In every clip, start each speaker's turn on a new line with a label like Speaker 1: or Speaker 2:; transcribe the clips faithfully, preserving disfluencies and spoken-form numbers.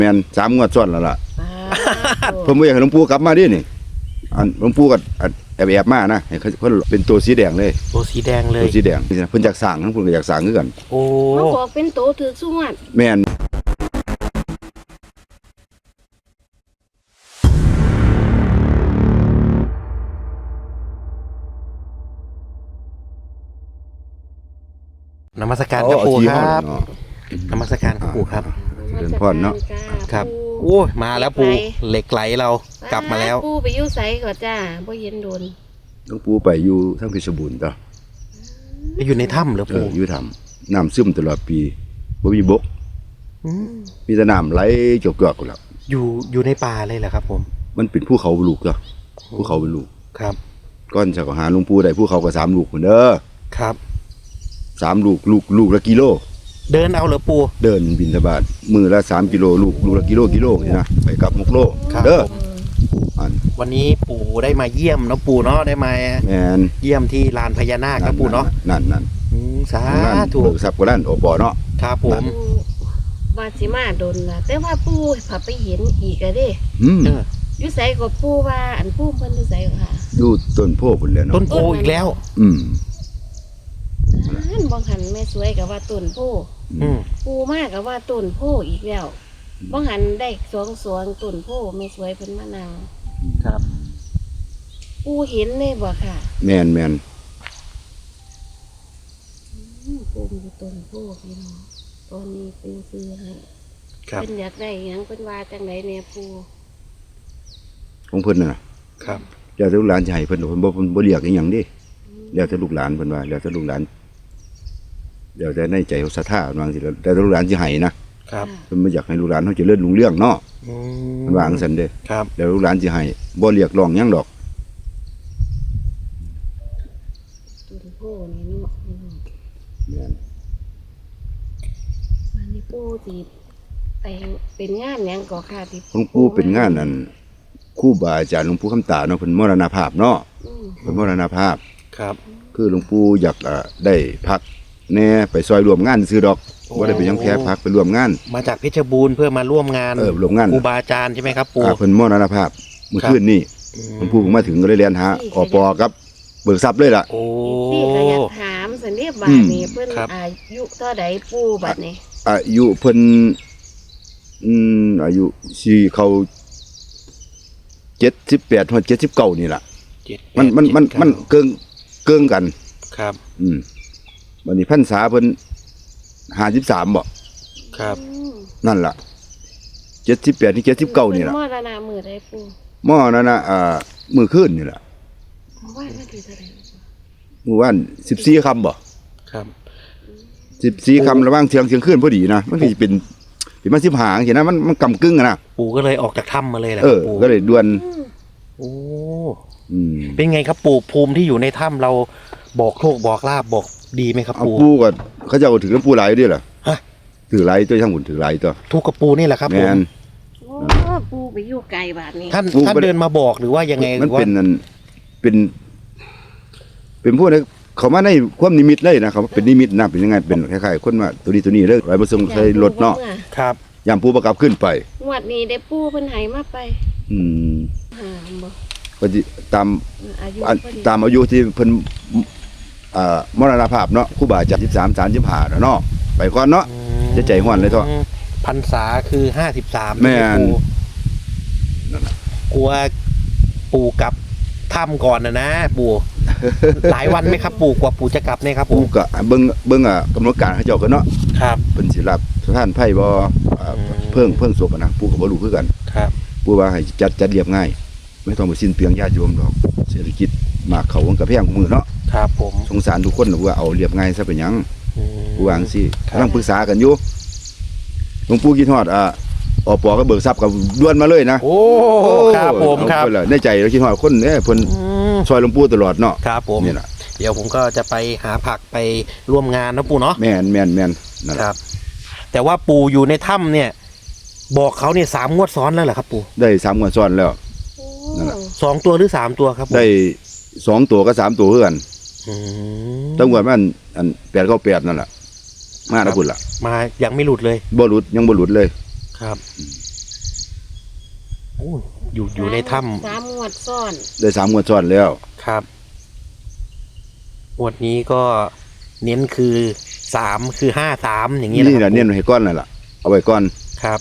Speaker 1: แม่นสามงวดซ้อนแล้วล่ะเพิ่นบ่อยากให้หลวงปู่กลับมาดินี่อันหลวงปู่ก็แอบๆมานะให้เพิ่นเป็นตัวสีแดงเลย
Speaker 2: ตัวสีแดงเลย
Speaker 1: ตัวสีแดงเพิ่นอยากสร้างทั้งเพิ่นก็อยากสร้างคือกัน
Speaker 2: โอ้
Speaker 3: เขาบอกเป็นโตถือสุวรรณ
Speaker 1: แม่น
Speaker 2: นมัสการครับปู่ครับนมัสการครับปู่ครับ
Speaker 1: เดินพรเนาะ
Speaker 2: ครับโอ้ยมาแล้วปู่เหล็กไหลเรากลับมาแล้ว
Speaker 3: ปู่ไปอยู่ไสก่อนจ้าบ่เห็นโดน
Speaker 1: หลวงปู่ไปอยู่ทางเพชรบูรณ์ต่อ
Speaker 2: ไปอยู่ในถ้ำเหรอปู่
Speaker 1: อยู่ถ้ำน้ำซึมตลอดปีบ่มีบกมีแต่น้ำไหลจกๆกันแล้ว
Speaker 2: อยู่อยู่ในป่าเลยเหรอครับผม
Speaker 1: มันเป็นภูเขาลูกจ้ะภูเขาเป็นลูก
Speaker 2: ครับ
Speaker 1: ก้อนจะหาหลวงปู่ได้ภูเขาก็สามลูกเหมือนเด้อ
Speaker 2: ครับ
Speaker 1: สามลูกลูกลูกละกิโล
Speaker 2: เดินเอาเหรอปู่
Speaker 1: เดินบิณฑบาตมือละสามกิโลลูกลูกละกิโลกิโลนี่นะไปกลับหกโลเด้อ
Speaker 2: วันนี้ปู่ได้มาเยี่ยมเนาะปู่เนาะได้มาเยี่ยมที่ลานพญานาคครับปู่เนาะ
Speaker 1: นั่นนั่น
Speaker 2: สาธุ
Speaker 1: เบิกทรัพย์ก็นั่นโอปอเนาะ
Speaker 2: ครับผม
Speaker 3: ว่าสิมาโดนล่ะแต่ว่าปู่พาไปเห็นอีกอะเด้
Speaker 1: อืม
Speaker 3: อยู่ไสก็ปู่ว่าอันปู่เพิ่นอยู่ไสค่ะ
Speaker 1: อยู่ต้นโพพุ่นแล้วเนาะ
Speaker 2: ต้นโพอีกแล้ว
Speaker 1: อืม
Speaker 3: นั่นบ่หันแม่สวยก็ว่าต้นโพ
Speaker 2: อืม
Speaker 3: ปู่มาก็ว่าต้นโพอีกแล้วบ่หันได้สวงสวงต้นโพแม่สวยเพิ่นมานั่ง
Speaker 2: ครับ
Speaker 3: ปู่เห็นเลยบ่ค่ะ
Speaker 1: แม่นแม่น
Speaker 3: ปู่มีต้นโพพี่น้องตอนนี้ปู่ซื้อให้เพิ่นอยากได้หยังเพิ่นว่าจังได๋แน่ปู่
Speaker 1: ของเพิ่นน่ะ
Speaker 2: ครับ
Speaker 1: แล้วแต่ลูกหลานจะให้เพิ่นเพิ่นบ่เพิ่นบ่เรียกอีหยังดิแล้วแต่ลูกหลานเพิ่นว่าแล้วแต่ลูกหลานแล้วแต่ในใจเขาศรัทธาว่าจังซี่แล้วแต่ลูกหลานสิให้นะครับเพิ่นบ่อยากให้ลูกหลานเฮาเจริญรุ่งเรืองเนาะ
Speaker 2: อืม
Speaker 1: มันว่าจังซั่นเด้
Speaker 2: ครับ
Speaker 1: แล้วลูกหลานสิให้บ่เรียกร้องหยังดอก
Speaker 3: ต้นโพนี่เนาะ
Speaker 1: แม่น
Speaker 3: วันนี้ปู่สิไปเป็นงานหยังก็ค่ะที่
Speaker 1: หลวงปู่เป็นงานอันครูบาอาจารย์หลวงปู่คำตาเนาะเพิ่นมรณภาพเนาะเพิ่นมรณภาพ
Speaker 2: ครับ
Speaker 1: คือหลวงปู่อยากได้พักแน่ไปซอยร่วมงานซื้อดอกบ่ได้ไปยังแพ้พักไปร่วมงาน
Speaker 2: มาจากเพชรบูรณ์เพื่อมาร่วมงาน
Speaker 1: เออร่วมงาน
Speaker 2: ครูบาอาจารย์ใช่ไหมครับปู่
Speaker 1: เพิ่นมรณภาพเมื่อคืนนี้หลวงปู่มาถึงก็เลยเรียนหาอปกับเบิกทรัพย์เลยล่ะ
Speaker 2: โอ้
Speaker 3: พี่ก็อยากถามสันเรียบาทนี่เพิ่นอายุเท่าใดปู่บัดนี้
Speaker 1: อายุเพิ่นอืมอายุสิเข้าเจ็ดสิบแปดถึงเจ็ดสิบเก้านี่ล่ะมันมันมันมันเกิงเกิงกัน
Speaker 2: ครับ
Speaker 1: อืมวันนี้พรรษาเพิ่นห้าสิบสามบ่
Speaker 2: ครับ
Speaker 1: นั่นล่ะเจ็ดสิบแปดถึงเจ็ดสิบเก้านี่ล่ะ
Speaker 3: มรณะมื้อใดปู่
Speaker 1: มรณะอ่ามื้อคืนนี่ล่ะ
Speaker 3: ว่าวันที่เท่าใด
Speaker 1: มื้อวันสิบสี่ค่ำบ่
Speaker 2: ครับ
Speaker 1: สิบสี่ค่ำระหว่างเที่ยงเที่ยงคืนพอดีนะมันสิเป็นเป็นมาสิบห้าจังซี่นะมันมันกำกึ่งอ่ะนะ
Speaker 2: ปู่ก็เลยออกจากถ้ำมาเลยแหละ
Speaker 1: เออก็เลยด่วน
Speaker 2: โอ้
Speaker 1: อืม
Speaker 2: เป็นไงครับปู่ภูมิที่อยู่ในถ้ำเราบอกโชคบอกลาบบอกดีไหมครับปู่
Speaker 1: ปู่ก็เขาเจ้าถือน้ำปูไหลด้วยเหรอฮะถือไหลตัวช่างหุ่นถือไหลตัว
Speaker 2: ทุกกับปู่นี่แหละครับผม
Speaker 3: โอ้ปู่ไปอยู่ไกลบาดนี้
Speaker 2: ท่านท่านเดินมาบอกหรือว่ายังไง
Speaker 1: มันเป็นนั่นเป็นเป็นพวกนี้เขามาในความนิมิตเลยนะเขาเป็นนิมิตนะเป็นยังไงเป็นคล้ายๆคนว่าตัวนี้ตัวนี้เลยไหลมาส่งใส่รถเนาะ
Speaker 2: ครับ
Speaker 1: ยามปู่ประกับขึ้นไป
Speaker 3: งวดนี้ได้ปู่เพิ่นให้มาไป
Speaker 1: อืม
Speaker 3: หาบ่
Speaker 1: ก็ตามตามอายุที่เพิ่นอ่ามรณภาพเนาะครูบาอาจารย์สิบสาม สามสิบห้าเนาะไปก่อนเนาะจะใจฮ้อนเลยเถอะ
Speaker 2: พรรษาคือห้าสิบสาม
Speaker 1: แม่น
Speaker 2: กลัวปู่กลับถ้ำก่อนนะนะปู่หลายวันไหมครับปู่กว่าปู่จะกลับเนี่ยครับ
Speaker 1: ปู่ก็เบิ่งเบิ่งอ่ะกำหนดการให้เจ้ากันเนาะ
Speaker 2: ครับ
Speaker 1: เพิ่นสิรับสถานไผบ่เพิ่งเพิ่งศพนะปู่ก็บ่รู้คือกัน
Speaker 2: ครับ
Speaker 1: ปู่ว่าให้จัดจัดเรียบง่ายไม่ต้องไปสิ้นเปลืองญาติโยมดอกเศรษฐกิจมากเขามันก็แพงกว่ามื้อเนาะ
Speaker 2: ครับผม
Speaker 1: สงสารทุกคนว่าเอาเรียบง่ายซะเป็นหยังปู่ว่าจังซี่กำลังปรึกษากันอยู่หลวงปู่คิดฮอดอ่าอปก็เบิกทรัพย์ก็ด่วนมาเลยนะ
Speaker 2: โอ้ครับผมครับ
Speaker 1: ในใจเราคิดฮอดคนเอ้เพิ่นซอยหลวงปู่ตลอดเนาะ
Speaker 2: ครับผมนี่แหละเดี๋ยวผมก็จะไปหาผักไปร่วมงานนะปู่เนาะ
Speaker 1: แม่นแม่นแม่น
Speaker 2: ครับแต่ว่าปู่อยู่ในถ้ำเนี่ยบอกเขาเนี่ยสามงวดซ้อนแล้วเหรอครับปู่
Speaker 1: ได้สามงวดซ้อนแล้วนั่นแหละ
Speaker 2: สองตัวหรือสามตัวครับ
Speaker 1: ได้สองตัวกับสามตัวเพื่อนตั้งงวดมันอันแปดเก้าแปดนั่นแหละมาแล้วพุ่นล่ะ
Speaker 2: มายังไม่หลุดเลย
Speaker 1: บ่หลุดยังบ่หลุดเลย
Speaker 2: ครับโอ้อยู่อยู่ในถ้
Speaker 3: สามงวดซ้อน
Speaker 1: ได้สามงวดซ้อนแล้ว
Speaker 2: ำครับงวดนี้ก็เน้นคือสามคือห้าสามอย่างนี้
Speaker 1: นี่
Speaker 2: นะค
Speaker 1: แห
Speaker 2: รั
Speaker 1: ละ
Speaker 2: บ
Speaker 1: เน้นให้ก้อนนั่นล่ะเอาไว้ก้อน
Speaker 2: ครับ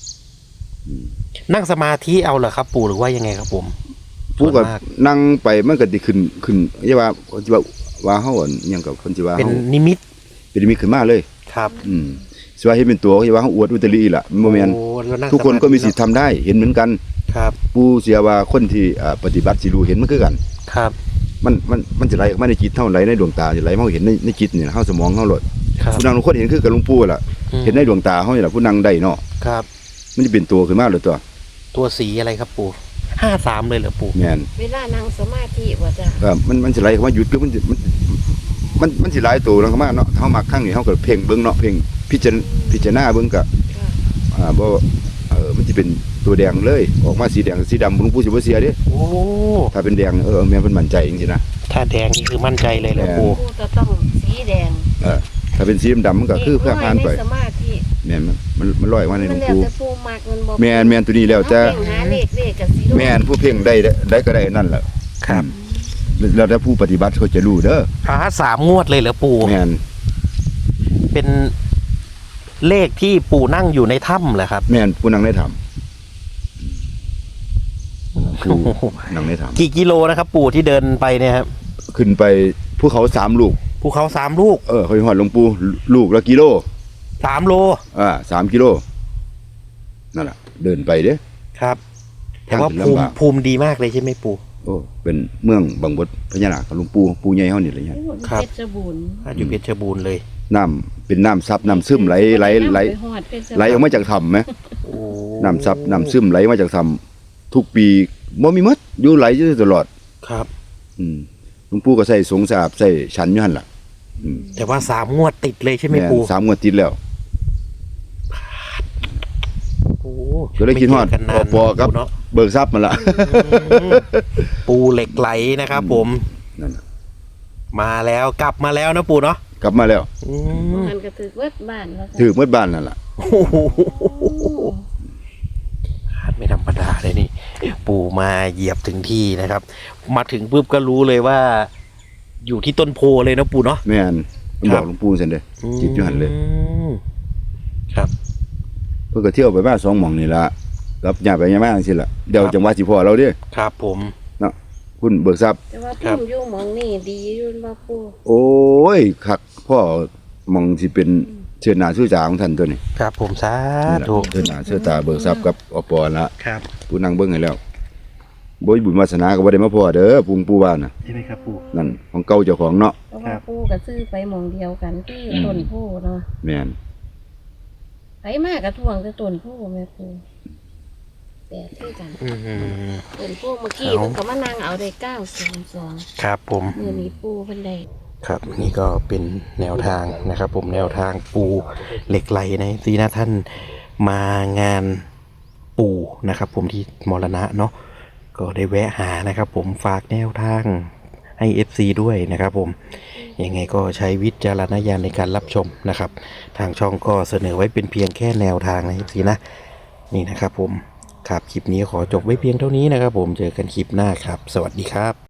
Speaker 2: นั่งสมาธิเอาเหรอครับ ปู่หรือว่ายังไงครับผม
Speaker 1: ผู้ก็
Speaker 2: ส่วนมาก
Speaker 1: นั่งไปมันก็สิขึ้นขึ้นอย่าว่าคนสิว่าว่าเฮาอั่นอิหยังกับคนสิว่า
Speaker 2: เป็น
Speaker 1: เฮา
Speaker 2: นิมิต
Speaker 1: เป็นมีขึ้นมาเลย
Speaker 2: ครับ
Speaker 1: อืมสิว่าเฮ็ดเป็นตัวสิว่าเฮาอวดอุตริล่ะมันบ่แม่น
Speaker 2: โอ้แล้วง
Speaker 1: ทุกคนก็มีสิทธิ์
Speaker 2: สาธิ
Speaker 1: ทำได้เห็นเหมือนกัน
Speaker 2: ครับ
Speaker 1: ผู้เสียว่าคนที่อ่าปฏิบัติสิรู้เห็นมันคือกัน
Speaker 2: ครับ
Speaker 1: มันมันมันจะไหลออกมาในจิตเฮาไหลในดวงตาจะไหลมาเฮาเห็นในในจิตนี่เฮาสมองเฮาโลด
Speaker 2: ครับ
Speaker 1: ผู้นั่งทุกคนเห็นคือกับหลวงปู่ล่ะ
Speaker 2: อืม
Speaker 1: เห็นในดวงตาเฮานี่ล่ะผู้นั่งได้เนาะ
Speaker 2: ครับ
Speaker 1: มันจะเป็นตัวขึ้นมาเลยตัว
Speaker 2: ตัวสีอะไรครับปู่ห้าสามเลยเหรอปู่
Speaker 1: แม่น
Speaker 3: เวลานั่งสมาธิว่าจ้ะ
Speaker 1: ก็มันมันสิไหลเข้ามาหยุดคือมันสิมันมันมันสิหลายตัวแล้วเข้ามาเนาะเฮามักครั้งนี้เฮาก็เพ่งเบิ่งเนาะเพ่งพิจารณาพิจารณาเบิ่งก็
Speaker 3: ค่ะ
Speaker 1: อ่าบ่เออมันสิเป็นตัวแดงเลยออกมาสีแดงสีดำหลวงปู่สิบ่เสียเด้
Speaker 2: โอ้
Speaker 1: ถ้าเป็นแดงเออแม่นเพิ่นมั่นใจจริงๆนะ
Speaker 2: ถ้าแดงนี่คือมั่นใจเลยเหรอปู่
Speaker 3: ผู้จะต้องสีแดง
Speaker 1: เออถ้าเป็นสีดำๆมันก็คือเพื่อผ่านไป
Speaker 3: เลขน้อยในสมาธิ
Speaker 1: แม่นมันมันมันลอยมาในหล
Speaker 3: มั
Speaker 1: วน ง
Speaker 3: แล้ว
Speaker 1: ปู่
Speaker 3: แต่ผู้มักมันบ่
Speaker 1: แม่นแม่นตัวนี้แล้วแต่
Speaker 3: เอาเพ่งหาเลขเลขกับสี
Speaker 1: แม่นผู้เพ่งได้ได้ก็ได้นั่นแหละ
Speaker 2: ครับ
Speaker 1: แล้วแต่ผู้ปฏิบัติเขาจะรู้เด้อ
Speaker 2: พาสามงวดเลยเหรอปู่
Speaker 1: แม่น
Speaker 2: เป็นเลขที่ปู่นั่งอยู่ในถ้ำเหรอครับ
Speaker 1: แม่นผู้นั่งได้ทำผู้
Speaker 2: โอ้โห
Speaker 1: นั่งได้ทำ
Speaker 2: กี่กิโลนะครับ ปู่ที่เดินไปเนี่ยครับ
Speaker 1: ขึ้นไปภูเขาสามลูก
Speaker 2: ภูเขาสามลูก
Speaker 1: เออเขาหอดหลวงปู่ลูกละกิโล
Speaker 2: สามโล
Speaker 1: อ่าสามกิโลนั่นแหละเดินไปเด้
Speaker 2: ครับ แต่ว่า
Speaker 1: ทางถึง
Speaker 2: ภูมิ
Speaker 1: ลำบาก
Speaker 2: ภูมิดีมากเลยใช่ไหมปู่
Speaker 1: โอ้เป็นเมืองบางบดพญานาคของหลวงปู่ปู่ใหญ่เฮานี่แหละเนี่ย
Speaker 2: ครับ
Speaker 3: เพชรบูรณ์
Speaker 2: อยู่เพชรบูรณ์เลย
Speaker 1: น้ำเป็นน้ำซับน้ำซึมไหลไหลไหล
Speaker 3: ปฮอดเพชรบูรณ์
Speaker 1: ไหลออกมาจากถ้ำไหม
Speaker 2: โอ้
Speaker 1: น้ำซับน้ำซึมไหลมาจากถ้ำทุกปีบ่มีหมดอยู่ไหลอยู่ตลอด
Speaker 2: ครับ
Speaker 1: อืมหลวงปู่ก็ใส่สงสาบใส่ฉันอยู่หั่นล่ะอืม
Speaker 2: แต่ว่าสามงวดติดเลยใช่ไหม
Speaker 1: แม่น
Speaker 2: ปู่
Speaker 1: สามงวดติดแล้ว
Speaker 2: โอ้
Speaker 1: ก็เลยคิดฮอด
Speaker 2: ไม่เจกันนาน
Speaker 1: ปอๆครับ
Speaker 2: ปู่เนาะ
Speaker 1: เบิกทรัพย์มันละ
Speaker 2: ปูเหล็กไหลนะครับ ผม
Speaker 1: นั่นน่ะ
Speaker 2: มาแล้วกลับมาแล้วนะปู่เนาะ
Speaker 1: กลับมาแล้ว
Speaker 2: อืม
Speaker 3: มันก็ถือเวิดบ้านแล้วจ้ะ
Speaker 1: ถือเมื่อบ้านนั่นล่ะ
Speaker 2: โอ้โหไม่ธรรมดาเลยนี่ ปู่มาเหยียบถึงที่นะครับ มาถึงปุ๊บก็รู้เลยว่า อยู่ที่ต้นโพเลยนะปู่เนาะ
Speaker 1: แม่นมัน
Speaker 2: ครับ
Speaker 1: บอกหลวงปู่ซั่นเด้ จิตอยู่หั่นเลย
Speaker 2: มครับ
Speaker 1: เพิ่นก็เที่ยวไปมาสองหม่องนี่ล่ะกับญาติไปญาติมาจังซี่ล่ะเดี๋ยว
Speaker 2: ครับ
Speaker 1: จังหวะสิพ่อเราเด้
Speaker 2: ครับผม
Speaker 1: เนาะคุณเบิกทรัพย์
Speaker 3: แต่ว่า
Speaker 2: ครับ
Speaker 3: พุ่มอยู่หมองนี่ดีอยู่บ่ปู่
Speaker 1: โอ้ยคักพ่อหม่องสิเป็นเชิญหน้าชื่อจาของท่านตัวนี้
Speaker 2: ครับผมสา
Speaker 1: นี่ล่ะ
Speaker 2: ธุ
Speaker 1: เชิญหน้าเชิญตาเบิกทรัพย์กับอปละ
Speaker 2: ครับ
Speaker 1: ผู้นั่งเบิ่งให้แล้วบ่มีบุญวาสนาก็บ่ได้มาพ่อเด้อปู่ปู่ว่าน่ะ
Speaker 2: ใช่ไหมครับปู่
Speaker 1: นั่นของเก่าเจ้าของเนาะ
Speaker 3: เพราะ
Speaker 2: ครั
Speaker 3: ว่า
Speaker 2: บ
Speaker 3: ปู่ก็ซื้อไปหมองเดียวกันคืออ
Speaker 1: ม
Speaker 3: ต้นโพเนาะ
Speaker 1: แม่น
Speaker 3: ไปมากระทวงแต่ต้นโพแม่ปู่แต่คือกัน
Speaker 2: อืม
Speaker 3: ต้นโพเมื่อกี้
Speaker 2: เอา
Speaker 3: เพิ่นก็มานั่งเอาได้เก้าสองสอง
Speaker 2: ครับผม
Speaker 3: มื้อนี้ปู่เพิ่นได้
Speaker 2: ครับนี่ก็เป็นแนวทางนะครับ ผมแนวทางปูเหล็กไหลในซีนะท่านมางานปูนะครับ ผมที่มรณะเนาะก็ได้แวะหานะครับ ผมฝากแนวทางให้ เอฟ ซี ด้วยนะครับ ผมยังไงก็ใช้วิจารณญาณในการรับชมนะครับ ทางช่องก็เสนอไว้เป็นเพียงแค่แนวทางนะ เอฟ ซี นะนี่นะครับ ผมครับคลิปนี้ขอจบไว้เพียงเท่านี้นะครับ ผมเจอกันคลิปหน้าครับ สวัสดีครับ